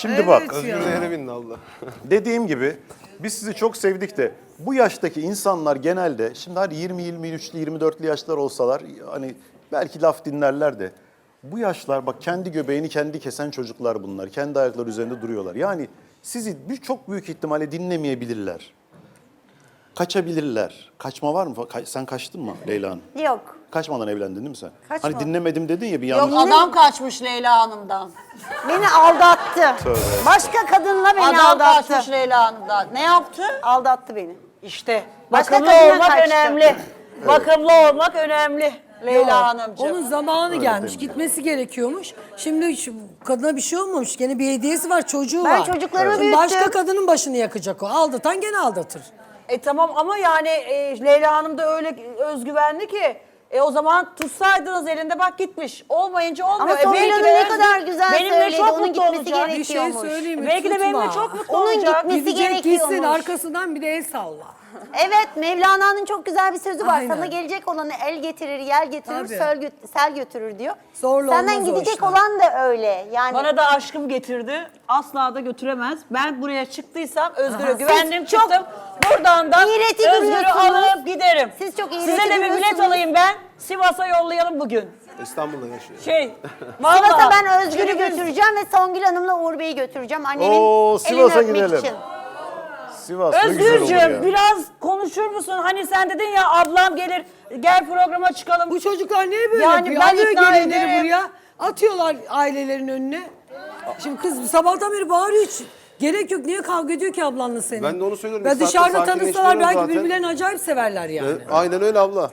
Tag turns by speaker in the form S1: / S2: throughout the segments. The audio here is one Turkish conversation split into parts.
S1: Şimdi
S2: Evet
S1: bak.
S2: ya.
S3: Özgür değere bindi Allah.
S1: Dediğim gibi biz sizi çok sevdik de bu yaştaki insanlar genelde şimdi hadi 20, 23'lü, 24'lü yaşlar olsalar hani belki laf dinlerler de bu yaşlar bak kendi göbeğini kendi kesen çocuklar bunlar. Kendi ayakları üzerinde duruyorlar. Yani sizi çok büyük ihtimalle dinlemeyebilirler. Kaçabilirler. Kaçma var mı? Sen kaçtın mı Leyla Hanım?
S4: Yok.
S1: Kaçmadan evlendin değil mi sen?
S4: Kaçmadım.
S1: Hani dinlemedim dedin ya bir
S5: Yok
S1: yanlış.
S5: adam kaçmış Leyla Hanım'dan.
S4: Beni aldattı. Başka kadınla beni
S5: Adam
S4: aldattı.
S5: kaçmış Leyla Hanım'dan. Ne yaptı?
S4: Aldattı beni.
S5: İşte
S4: Başka
S5: bakımlı
S4: kadına
S5: olmak
S4: kaçtı.
S5: önemli. Bakımlı olmak önemli Leyla Hanımcığım.
S2: Onun zamanı gelmiş. Gitmesi gerekiyormuş. Şimdi kadına bir şey olmamış. Gene bir hediyesi var, çocuğu
S4: Ben
S2: var.
S4: çocuklarımı
S2: Şimdi
S4: büyüttüm.
S2: başka kadının başını yakacak o. Aldatan gene aldatır.
S5: Tamam ama yani Leyla Hanım da öyle özgüvenli ki o zaman tutsaydınız elinde bak gitmiş. Olmayınca olmuyor.
S4: Ama Songül
S5: belki
S4: Hanım
S5: de
S4: ne kadar güzel
S5: benimle
S4: söyledi.
S5: çok
S4: Onun
S5: mutlu
S4: gitmesi
S5: olacak.
S2: Bir şey
S4: gerekiyormuş.
S2: söyleyeyim mi?
S5: Belki de
S2: Tutma.
S5: benimle çok mutlu
S4: Onun
S5: olacak.
S4: gitmesi
S2: Gidecek
S4: gerekiyormuş.
S2: gitsin arkasından bir de el salla.
S4: Evet, Mevlana'nın çok güzel bir sözü var.
S2: Aynen.
S4: Sana gelecek olanı el getirir, yel getirir,
S2: Tabii.
S4: sel götürür diyor.
S2: Zorla
S4: Senden
S2: olmaz o
S4: gidecek
S2: işler.
S4: olan da öyle. Yani
S5: Bana da aşkım getirdi. Asla da götüremez. Ben buraya çıktıysam Özgür'e
S2: Aha.
S5: güvendim
S4: Siz çok
S5: çıktım. Buradan da
S4: iğreti
S5: Özgür'ü
S4: görüyorsunuz.
S5: alıp giderim.
S4: Siz çok
S5: Size
S4: iğreti
S5: de bir bilet
S4: görüyorsunuz.
S5: alayım ben. Sivas'a yollayalım bugün.
S3: İstanbul'da yaşıyor.
S5: Vallahi.
S4: Sivas'a ben Özgür'ü
S5: Günümüz-
S4: götüreceğim ve Songül Hanım'la Uğur Bey'i götüreceğim. Annemin
S1: Oo,
S4: elini
S1: Sivas'a
S4: öpmek
S1: gidelim.
S4: için.
S1: Sivas ne güzel olur
S5: Özgürcüğüm
S1: ya.
S5: biraz konuşur musun? Hani sen dedin ya ablam gelir gel programa çıkalım.
S2: Bu çocuklar niye böyle
S5: Yani
S2: yapıyor?
S5: ben
S2: Alıyor
S5: ikna
S2: gelinleri
S5: ederim.
S2: buraya. Atıyorlar ailelerin önüne. Şimdi kız sabahtan beri bağırıyor hiç. Gerek yok. Niye kavga ediyor ki ablanla senin?
S3: Ben de onu söylüyorum.
S2: Ya
S3: Bir saatte
S2: dışarıda tanışsalar
S3: sakinleştiriyorum
S2: belki
S3: zaten.
S2: birbirlerini acayip severler yani.
S3: Aynen öyle abla.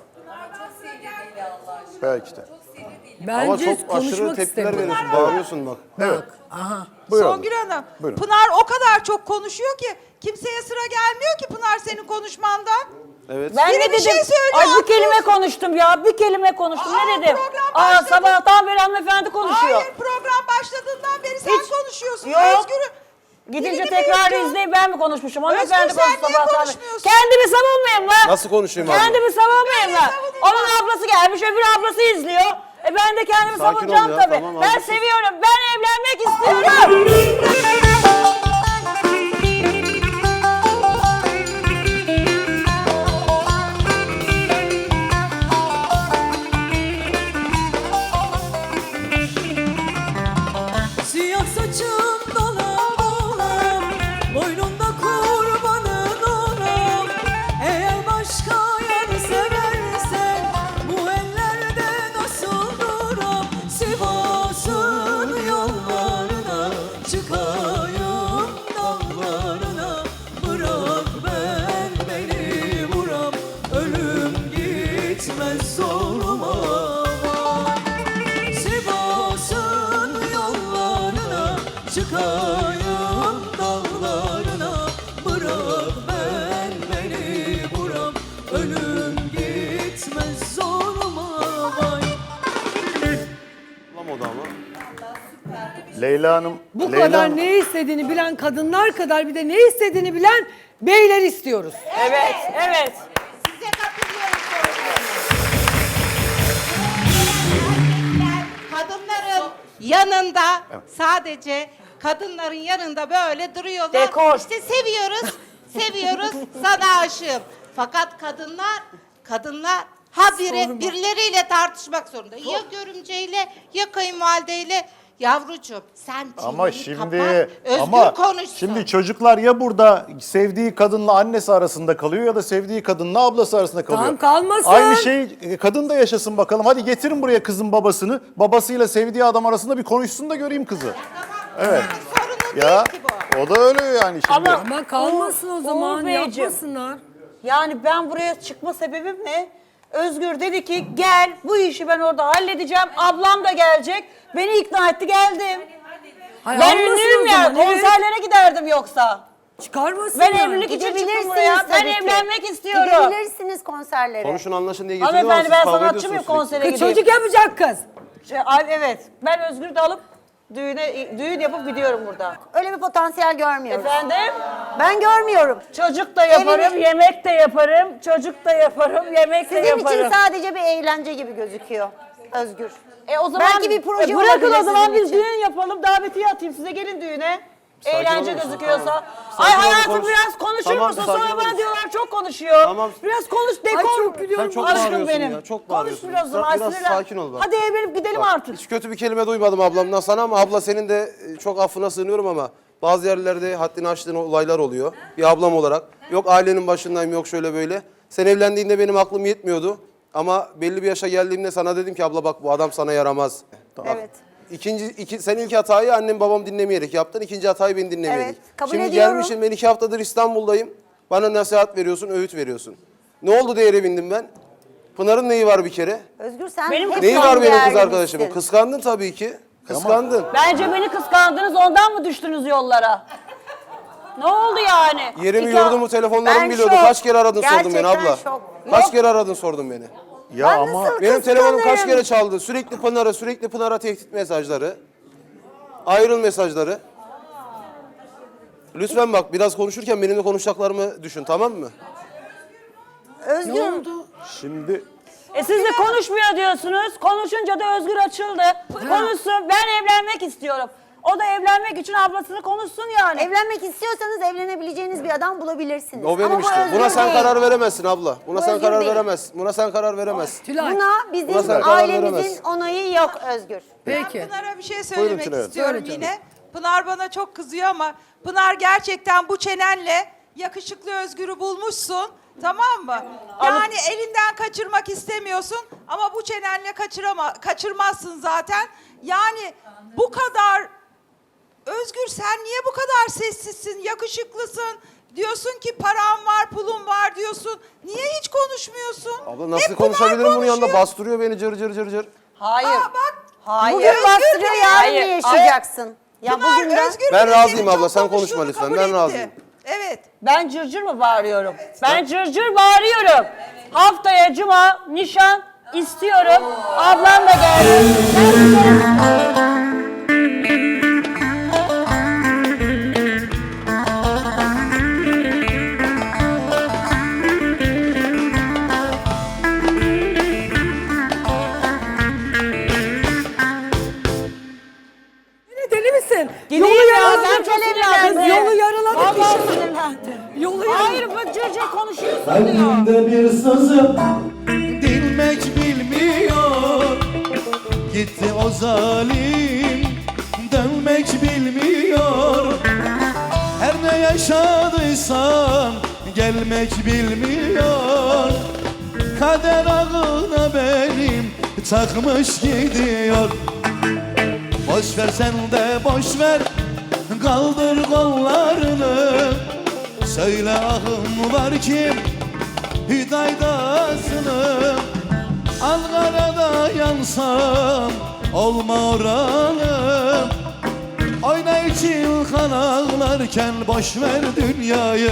S1: Belki de.
S3: Ama
S2: Bence
S3: çok aşırı
S2: konuşmak
S3: tepkiler
S2: istemiyor.
S3: veriyorsun. Bağırıyorsun bak.
S1: Evet.
S2: Aha.
S1: Buyurun.
S6: Songül Hanım,
S1: Buyurun.
S6: Pınar o kadar çok konuşuyor ki kimseye sıra gelmiyor ki Pınar senin konuşmandan.
S3: Evet.
S5: Ben
S6: Biri
S5: ne
S6: bir
S5: dedim?
S6: şey söylüyor,
S5: Ay bir
S6: atlıyorsun.
S5: kelime konuştum ya. Bir kelime konuştum.
S6: Aa,
S5: Ne dedim?
S6: program başladı.
S5: Sabahtan beri hanımefendi konuşuyor.
S6: Hayır, program başladığından beri sen
S5: Hiç-
S6: konuşuyorsun.
S5: Yok.
S6: Özgür'ü
S5: Gidince
S6: dilini
S5: tekrar
S6: büyütüyor.
S5: izleyip ben mi konuşmuşum? Hanımefendi
S6: Özgür, sen
S5: konuştu
S6: niye
S5: sabahtan beri.
S6: konuşmuyorsun?
S5: Kendimi savunmayayım lan.
S3: Nasıl konuşayım abla?
S5: Kendimi savunmayayım lan.
S6: savunayım
S5: Onun ablası gelmiş öbür ablası izliyor. Ben de kendimi
S3: Sakin ol
S5: savunacağım
S3: ya,
S5: tabii.
S3: tamam,
S5: Ben
S3: haklısın.
S5: seviyorum. Ben evlenmek istiyorum.
S7: Siyah saçım dolam dolam, boynunda kurbanın olam. Eğer başka yer seversen, bu ellerde nasıl duram? Sivas'ın yollarına, çıkayım dağlarına. Bırak beni vuram, ölüm gitmez zoruma. Sivas'ın yollarına, çıkayım dağlarına. Bırak beni vuram, ölüm gitmez zoruma. Vay.
S3: Bulamadı ama.
S1: Leyla Hanım.
S2: Bu
S1: Leyla
S2: kadar
S1: Hanım-
S2: ne istediğini bilen kadınlar kadar bir de ne istediğini bilen beyler istiyoruz.
S5: Evet, evet.
S4: Size katılıyorum.
S8: Kadınların yanında sadece kadınların yanında böyle duruyorlar.
S5: Dekor.
S8: İşte seviyoruz, seviyoruz, sana aşığım. Fakat kadınlar birileriyle tartışmak zorunda. Ya görümceyle ya kayınvalideyle. Yavrucuğum sen
S1: Ama
S8: çeneni
S1: şimdi
S8: kapat, özgür
S1: ama
S8: konuşsun.
S1: şimdi çocuklar ya burada sevdiği kadınla annesi arasında kalıyor ya da sevdiği kadınla ablası arasında kalıyor.
S2: Tamam, kalmasın.
S1: Aynı şey kadın da yaşasın bakalım. Hadi getirin buraya kızın babasını. Babasıyla sevdiği adam arasında bir konuşsun da göreyim kızı. Evet.
S8: Sorunu
S1: Ya
S8: değil ki bu.
S1: o da öyle yani şimdi.
S2: Ama kalmasın o zaman,
S5: Uğur Beyciğim.
S2: yapmasınlar.
S5: Yani ben buraya çıkma sebebim ne? Özgür dedi ki gel bu işi ben orada halledeceğim. Ablam da gelecek. Beni ikna etti geldim.
S2: Hayır,
S5: Ben
S2: almasın
S5: ünlüyüm
S2: o
S5: ya.
S2: zaman, evet.
S5: Konserlere giderdim yoksa.
S2: Çıkarmasın
S5: Ben
S2: yani.
S5: evlilik için çıktım
S4: Gidebilirsiniz
S5: buraya. Ben
S4: tabii ki.
S5: evlenmek istiyorum.
S4: Gidebilirsiniz konserlere.
S3: Konuşun anlaşın diye getiriyor ama
S5: Hanımefendi
S3: siz
S5: ben
S3: kavga
S5: sanatçı mıyım
S3: ediyorsunuz sürekli.
S5: konsere
S2: Kız
S5: gideyim?
S2: çocuk yapacak kız.
S5: Evet. Ben Özgür'ü de alıp düğün yapıp gidiyorum burada.
S4: Öyle bir potansiyel görmüyoruz.
S5: Efendim?
S4: Ben görmüyorum.
S5: Çocuk da yaparım,
S4: Evini-
S5: yemek de yaparım, çocuk da yaparım, yemek de
S4: Sizin
S5: yaparım.
S4: için sadece bir eğlence gibi gözüküyor Özgür.
S5: O zaman
S4: Belki bir proje
S5: bırakın
S4: olabilir
S5: o zaman
S4: sizin
S5: biz
S4: için.
S5: düğün yapalım, davetiye atayım size gelin düğüne. Eğlence
S3: olur musun?
S5: gözüküyorsa.
S3: Tamam.
S5: Ay
S3: Sakin ol,
S5: hayatım
S3: konuş.
S5: biraz konuşur
S3: Tamam,
S5: musun?
S3: sakin
S5: Sonra
S3: olur
S5: bana
S3: musun?
S5: diyorlar çok konuşuyor.
S3: Tamam.
S5: Biraz konuş dekor.
S2: Ay çok gülüyorum.
S3: Sen çok
S5: Aşkım
S3: bağırıyorsun
S5: benim.
S3: ya. Çok
S5: Konuş
S3: bağırıyorsun.
S5: biraz o zaman.
S3: Biraz
S5: sinirlen.
S3: sakin ol bak.
S5: Hadi evlenip gidelim artık.
S3: Hiç kötü bir kelime duymadım ablamdan sana ama abla senin de çok affına sığınıyorum ama bazı yerlerde haddini aştığın olaylar oluyor. Bir ablam olarak. Yok ailenin başındayım yok şöyle böyle. Sen evlendiğinde benim aklım yetmiyordu. Ama belli bir yaşa geldiğimde sana dedim ki abla bak bu adam sana yaramaz.
S4: Evet.
S3: Sen ilk hatayı annem babam dinlemeyerek yaptın. İkinci hatayı beni dinlemeyerek.
S4: Evet, kabul
S3: Şimdi
S4: ediyorum.
S3: gelmişim ben 2 haftadır İstanbul'dayım. Bana nasihat veriyorsun, öğüt veriyorsun. Ne oldu diye eve bindim ben? Pınar'ın neyi var bir kere?
S4: Özgür sen
S5: Benim
S4: hep
S3: Neyi
S4: son
S3: var benim kız
S4: değerlisin.
S3: arkadaşımın? Kıskandın tabii ki. Kıskandın.
S5: Bence beni kıskandınız ondan mı düştünüz yollara? Ne oldu yani?
S3: Yerimi
S5: İki-
S3: yurdumu telefonlarımı
S4: Ben
S3: biliyordu.
S4: şok.
S3: Kaç kere aradın sordun beni
S4: Gerçekten
S3: abla.
S4: şok.
S3: Kaç
S4: Yok.
S3: kere aradın sordun beni.
S1: Ya
S4: Ben
S1: ama
S4: nasıl
S3: Benim telefonum kaç
S4: kıskanırım?
S3: kere çaldı. Sürekli Pınar'a tehdit mesajları. Ayrıl mesajları. Lütfen bak biraz konuşurken benimle konuşacaklarımı düşün tamam mı?
S4: Özgür.
S1: şimdi
S5: Siz de konuşmuyor diyorsunuz. Konuşunca da Özgür açıldı. Konuşsun. Ben evlenmek istiyorum. O da evlenmek için ablasını konuşsun yani.
S4: Evlenmek istiyorsanız evlenebileceğiniz bir adam bulabilirsiniz.
S3: O benim
S4: Ama bu
S3: işte.
S4: Özgür
S3: Buna sen
S4: değil.
S3: karar veremezsin abla. Buna
S4: Bu
S3: sen
S4: Özgür
S3: karar
S4: değil.
S3: veremezsin. Buna sen karar veremezsin.
S2: Tülay.
S4: Buna
S3: Buna
S4: bizim
S3: sen karar
S4: ailemizin
S3: veremezsin.
S4: onayı yok Özgür.
S2: Peki.
S6: Pınar'a bir şey
S3: Buyurun
S6: söylemek
S3: Tülay Hanım.
S6: istiyorum
S2: Söyle canım.
S6: yine. Pınar bana çok kızıyor ama Pınar gerçekten bu çenenle yakışıklı Özgür'ü bulmuşsun. Tamam mı? Yani elinden kaçırmak istemiyorsun ama bu çenenle kaçırmazsın zaten. Yani bu kadar Özgür sen niye bu kadar sessizsin, yakışıklısın? Diyorsun ki param var, pulum var diyorsun. Niye hiç konuşmuyorsun?
S3: Abla nasıl
S6: Hep Pınar
S3: konuşabilirim bunun yanında?
S6: konuşuyor.
S3: Bastırıyor beni cır cır cır cır.
S5: Hayır.
S6: Aa, bak.
S5: Hayır.
S4: Bugün bastırıyor yarın
S5: Hayır.
S4: mı yaşayacaksın? Ya
S6: Pınar,
S4: bugün de
S6: Özgür
S3: Ben
S6: bile
S3: razıyım
S6: senin
S3: abla,
S6: çok
S3: sen konuşma
S6: konuştuğunu
S3: lütfen,
S6: kabul
S3: ben
S6: etti.
S3: razıyım.
S6: Evet.
S5: Ben cırcır mı bağırıyorum? Ben cırcır bağırıyorum. Haftaya cuma nişan istiyorum. Ablam da geldi.
S2: Deli misin?
S5: Gideyim
S2: Yolu
S5: ya,
S2: yaraladı.
S5: ben çok sinirlendim.
S2: Kız yolu yaraladı.
S5: Vallahi
S2: kişi.
S5: sinirlendim.
S2: Yolu yaraladı.
S5: Hayır bu cırcır konuşuyorsun diyor.
S9: Kalbimde bir sızım dinmek bilmiyor. Gitti o zalim dönmek bilmiyor. Her ne yaşadıysam gelmek bilmiyor. Kader ağına benim takmış gidiyor. Boş ver sen de boş ver, kaldır kollarını. Söyle ahım var kim Hüdaydasını. Ankara'da yansam olma oralım. Oyna için kan ağlarken boş ver dünyayı.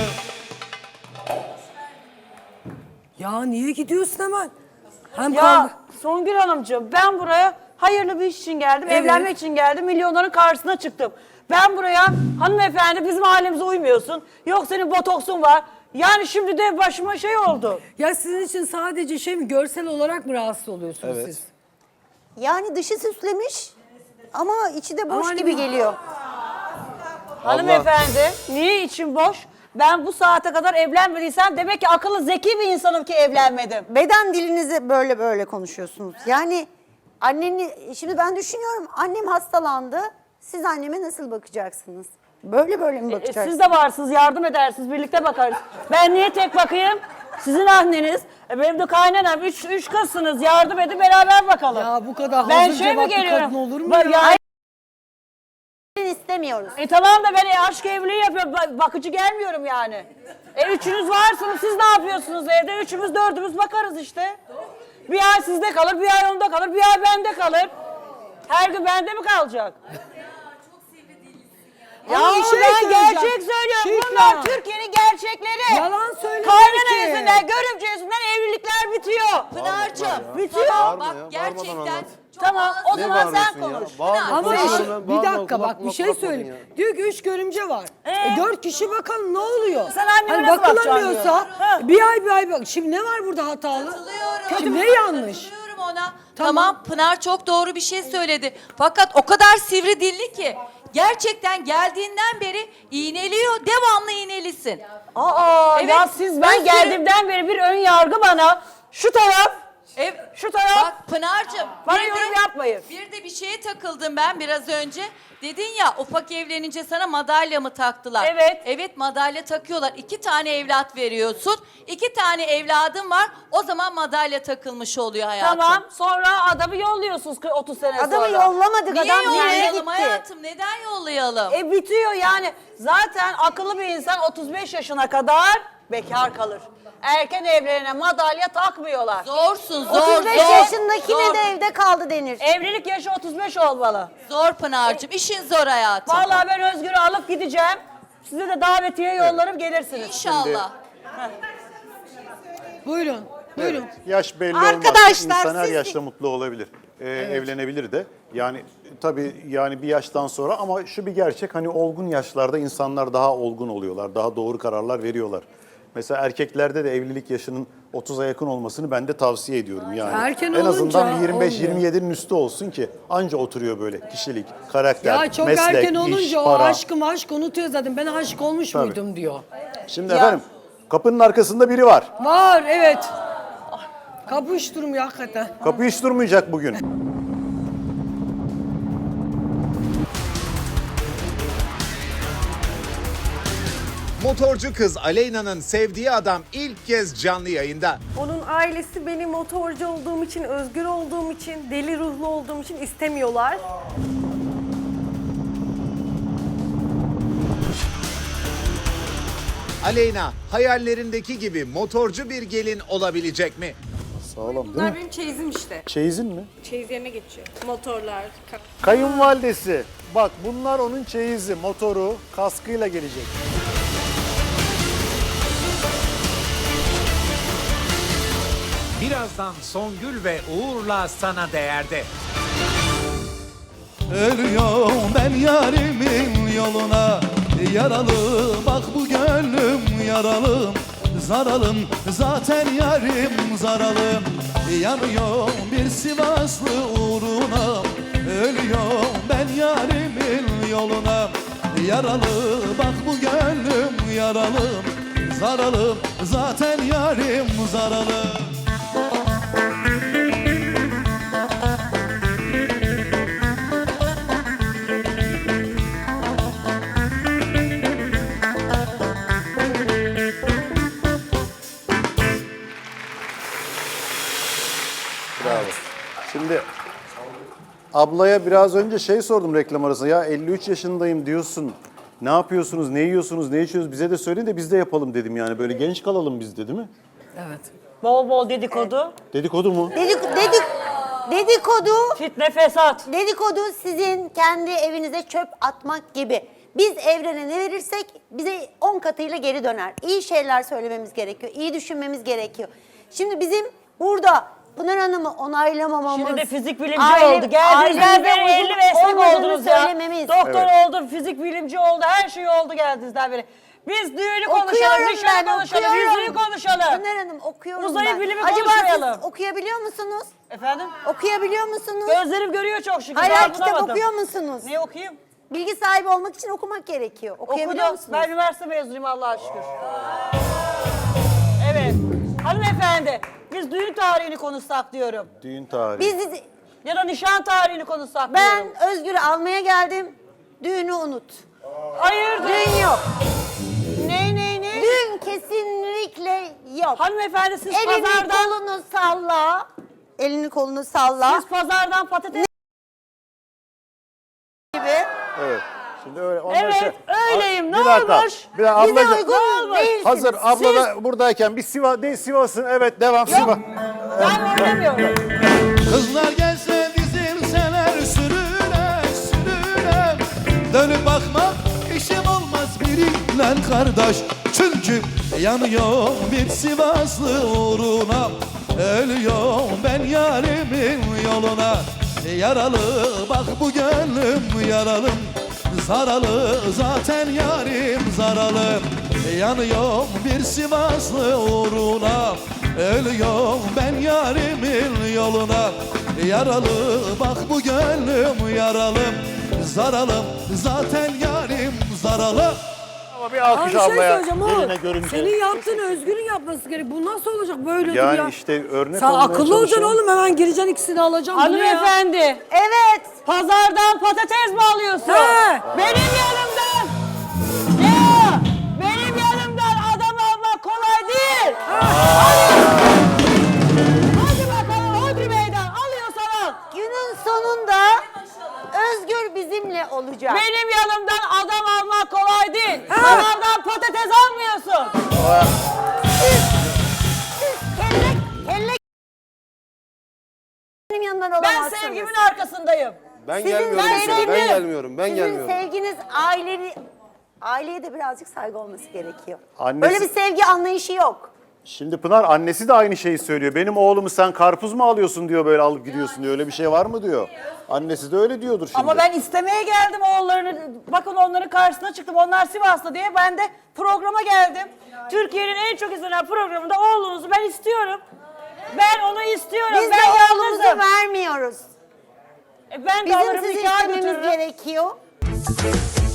S2: Ya niye gidiyorsun hemen? Hem
S5: Ya Songül Hanımcığım ben buraya hayırlı bir iş için geldim.
S2: Evet.
S5: Evlenmek için geldim. Milyonların karşısına çıktım. Ben buraya hanımefendi bizim ailemize uymuyorsun. Yok senin botoksun var. Yani şimdi de başıma şey oldu.
S2: Ya sizin için sadece şey mi, görsel olarak mı rahatsız oluyorsunuz
S3: Evet.
S2: siz?
S4: yani dışı süslemiş ama içi de boş
S2: Aman
S4: gibi
S2: ya.
S4: geliyor.
S5: Hanımefendi niye için boş? Ben bu saate kadar evlenmediysem demek ki akıllı zeki bir insanım ki evlenmedim.
S4: Beden dilinizi böyle konuşuyorsunuz. Yani anneni, şimdi ben düşünüyorum annem hastalandı. Siz anneme nasıl bakacaksınız? Böyle mi bakacaksınız?
S5: Siz de varsınız, yardım edersiniz, birlikte bakarız. Ben niye tek bakayım? Sizin anneniz, benim de kaynanam, üç kızsınız, yardım edin beraber bakalım.
S2: Ya bu kadar
S5: Ben
S2: hazır
S5: şey mi
S2: cevaplı
S5: geliyorum?
S2: kadın olur mu ya?
S4: istemiyoruz.
S5: Tamam da ben aşk evliliği yapıyorum, bakıcı gelmiyorum yani. Üçünüz varsınız, siz ne yapıyorsunuz evde? Üçümüz, dördümüz bakarız işte. Bir ay sizde kalır, bir ay onda kalır, bir ay bende kalır. Her gün bende mi kalacak? Ya
S2: Ama bir şey
S5: ben
S2: söyleyeceğim.
S5: gerçek söylüyorum.
S2: Şükran.
S5: Bunlar Türkiye'nin gerçekleri.
S2: Yalan söyleme
S5: Kaynana
S2: ki.
S5: yüzünden, görümce yüzünden evlilikler bitiyor.
S8: Pınar'cığım.
S5: Bitiyor.
S3: Bağırma
S8: Bak
S3: ya, bağırmadan
S8: gerçekten
S3: anlat.
S5: Tamam o
S3: Ne
S5: zaman sen
S3: bağırıyorsun ya?
S5: konuş.
S3: Bağırma,
S2: Ama
S3: konuşuyorum
S2: eşi,
S3: ben,
S2: bir
S3: bağırma,
S2: dakika
S3: kulak
S2: bak bir
S3: kulak
S2: şey
S3: bakmadın
S2: söyleyeyim.
S3: ya.
S2: Diyor ki 3 görümce var. 4 kişi bakalım ne oluyor?
S5: Sen anneme
S2: Hani
S5: nasıl
S2: bakılamıyorsa
S5: bakacaksın diyor.
S2: bir ay bak. Şimdi ne var burada hatalı? Şimdi ne yanlış?
S10: Katılıyorum ona. Tamam Pınar çok doğru bir şey söyledi. Fakat o kadar sivri dilli ki Gerçekten geldiğinden beri iğneliyor. Devamlı iğnelisin.
S5: Aa
S10: Evet,
S5: ya siz ben
S10: Özgür-
S5: geldiğimden beri bir ön yargı bana. Şu taraf, şu taraf.
S10: Bak Pınar'cığım.
S5: Bana
S10: bir
S5: yorum
S10: de-
S5: yapmayın.
S10: Bir de bir şeye takıldım ben biraz önce. Dedin ya ufak evlenince sana madalya mı taktılar?
S5: Evet.
S10: Evet madalya takıyorlar. 2 tane evlat veriyorsun. 2 tane evladın var. O zaman madalya takılmış oluyor hayatım.
S5: Tamam sonra adamı yolluyorsunuz 30 sene
S4: Adamı
S5: sonra.
S4: yollamadık.
S10: Niye
S4: Adam geldi
S10: yollayalım
S4: gitti.
S10: hayatım? Neden yollayalım?
S5: Bitiyor yani. Zaten akıllı bir insan 35 yaşına kadar bekar kalır. Erken evlerine madalya takmıyorlar.
S10: Zorsun zor
S4: 35
S10: zor.
S4: yaşındakine
S10: zor.
S4: de evde kaldı denir.
S5: Evlilik yaşı 35 olmalı.
S10: Zor Pınar'cığım. İşin zor hayatım.
S5: Vallahi ben Özgür'ü alıp gideceğim. Size de davetiye yollarım gelirsiniz.
S10: İnşallah.
S2: Buyurun. Buyurun.
S1: Yaş belli olmaz.
S8: Arkadaşlar,
S1: İnsan her
S8: siz-
S1: yaşta mutlu olabilir. Evlenebilir de. Yani tabii yani bir yaştan sonra ama şu bir gerçek hani olgun yaşlarda insanlar daha olgun oluyorlar. Daha doğru kararlar veriyorlar. Mesela erkeklerde de evlilik yaşının 30'a yakın olmasını ben de tavsiye ediyorum yani.
S2: Erken
S1: en azından
S2: olunca
S1: bir 25-27'nin
S2: olmuyor.
S1: üstü olsun ki anca oturuyor böyle kişilik, karakter,
S2: Ya çok
S1: meslek,
S2: erken
S1: iş,
S2: olunca o
S1: para.
S2: aşk unutuyor zaten. Ben aşık olmuş
S1: Tabii.
S2: muydum diyor.
S1: Şimdi efendim kapının arkasında biri var.
S2: Var evet. Kapı hiç durmuyor hakikaten.
S1: Kapı hiç durmayacak bugün.
S11: Motorcu kız Aleyna'nın sevdiği adam ilk kez canlı yayında.
S12: Onun ailesi beni motorcu olduğum için, özgür olduğum için, deli ruhlu olduğum için istemiyorlar.
S11: Aleyna hayallerindeki gibi motorcu bir gelin olabilecek mi?
S1: Sağlam değil
S12: Bunlar
S1: mi?
S12: benim çeyizim işte.
S1: Çeyizin mi?
S12: Çeyiz yerine geçiyor. Motorlar,
S1: Kayınvalidesi. Bak bunlar onun çeyizi, motoru, kaskıyla gelecek.
S11: Birazdan Songül ve Uğur'la sana değerde.
S9: Ölüyorum ben yarimin yoluna. Yaralı bak bu gönlüm yaralım. Zaralım zaten yarim zaralım. Yanıyorum bir Sivaslı uğruna. Ölüyorum ben yarimin yoluna. Yaralı bak bu gönlüm yaralım. Zaralım zaten yarim zaralım.
S1: Bravo. Şimdi ablaya biraz önce şey sordum reklam arasında. Ya 53 yaşındayım diyorsun. Ne yapıyorsunuz, ne yiyorsunuz, ne içiyorsunuz bize de söyleyin de biz de yapalım dedim yani. Böyle genç kalalım biz de değil mi?
S2: Evet.
S5: Bol bol dedikodu,
S1: Dedikodu mu?
S4: Dedikodu,
S5: fitne fesat.
S4: dedikodu sizin kendi evinize çöp atmak gibi. Biz evrene ne verirsek bize 10 katıyla geri döner. İyi şeyler söylememiz gerekiyor, iyi düşünmemiz gerekiyor. Şimdi bizim burada Pınar Hanım'ı onaylamamamız...
S5: Şimdi de fizik bilimci oldu. Geldiğinizden beri 50 meslek oldunuz ya.
S4: söylememiz.
S5: Doktor oldu, fizik bilimci oldu, her şey oldu geldiğinizden beri. Biz düğünü konuşalım,
S4: Okuyorum
S5: nişanı
S4: ben,
S5: konuşalım,
S4: okuyorum.
S5: yüzüğü konuşalım.
S4: Pınar Hanım okuyorum
S5: Uzayı
S4: ben.
S5: bilimi
S4: Acaba
S5: konuşmayalım.
S4: siz okuyabiliyor musunuz?
S5: Efendim?
S4: Okuyabiliyor musunuz?
S5: Gözlerim görüyor çok şükür.
S4: Hayır,
S5: daha
S4: kitap
S5: bulamadım.
S4: okuyor musunuz?
S5: Ne okuyayım?
S4: Bilgi sahibi olmak için okumak gerekiyor. Okuyabiliyor
S5: Okudum.
S4: musunuz?
S5: Ben üniversite mezunuyum Allah'a şükür. Evet. Hanımefendi, biz düğün tarihini konuşsak diyorum.
S1: Düğün tarihi.
S4: Biz,
S5: Ya da nişan tarihini konuşsak
S4: ben
S5: diyorum.
S4: Özgür'ü almaya geldim. Düğünü unut.
S5: Hayırdır?
S4: Düğün yok.
S5: Ne?
S4: Düğün kesinlikle yok.
S5: Hanımefendi siz
S4: Elini
S5: pazardan...
S4: kolunu salla. Elini kolunu salla.
S5: Siz pazardan patates...
S4: gibi.
S1: Evet. Şimdi öyle. onlar
S5: Evet, öyleyim. Ne
S1: Bir dakika.
S5: olmuş?
S1: Bir dakika.
S4: Bize
S1: Ablacığım,
S4: uygun değilsiniz.
S1: hazır abla da buradayken bir Sivas'ın evet devam Sivas.
S5: Ben oynamıyorum.
S9: Kızlar gelse dizilseler sürüne sürüne. Dönüp bakma işim olmaz biriyle kardeş. Çünkü yanıyor bir Sivaslı uğruna. Ölüyorum ben yarimin yoluna. Yaralı bak bu gönlüm yaralım. Zaralı zaten yarim zaralım. Yanıyorum bir Sivaslı uğruna. Ölüyorum ben yarimin yoluna. Yaralı bak bu gönlüm yaralım. zaralım. Zaten yarim zaralı.
S1: Ama bir
S2: Abi
S1: alkış
S2: bir şey
S1: ablaya
S2: söyleyeceğim oğlum.
S1: eline görünce.
S2: Senin yaptığın Özgür'ün yapması gerek. Bu nasıl olacak böyle dur
S1: Yani
S2: ya.
S1: işte örnek
S2: Sen
S1: olmaya
S2: akıllı olacaksın
S1: çalışıyorum.
S2: oğlum, hemen gireceksin ikisini alacaksın. Bu ne ya?
S5: Hanımefendi.
S4: Evet.
S5: Pazardan patates mi alıyorsun?
S2: He.
S5: Benim yanımdan. Ya benim yanımdan adam almak kolay değil. Hadi bakalım Hodri Meydan alıyorsan al.
S4: Günün sonunda Özgür bizimle olacak.
S5: Benim yanımdan adam almak kolay değil. Pazardan patates almıyorsun.
S4: Kelle benim yanımdan
S5: Ben
S4: olamazsınız.
S5: sevgimin arkasındayım.
S3: Ben
S4: Sizin
S3: gelmiyorum mesela.
S4: sevginiz-
S3: Ben gelmiyorum. Ben
S4: Sizin
S3: gelmiyorum.
S4: sevginiz aileye de birazcık saygı olması gerekiyor.
S1: Annesi-
S4: Böyle bir sevgi anlayışı yok.
S1: Şimdi Pınar annesi de aynı şeyi söylüyor. Benim oğlumu sen karpuz mu alıyorsun diyor, böyle alıp gidiyorsun diyor. Öyle bir şey var mı diyor. Annesi de öyle diyordur şimdi.
S5: Ama ben istemeye geldim oğullarını. Bakın onların karşısına çıktım. Onlar Sivas'ta diye ben de programa geldim. Türkiye'nin en çok izlenen programında oğlunuzu ben istiyorum. Ben onu istiyorum.
S4: Biz
S5: ben
S4: de oğlumuzu
S5: yalnızım.
S4: vermiyoruz.
S5: Ben de
S4: Bizim
S5: alırım
S4: sizi
S5: nikah
S4: istememiz
S5: götürürüm.
S4: gerekiyor.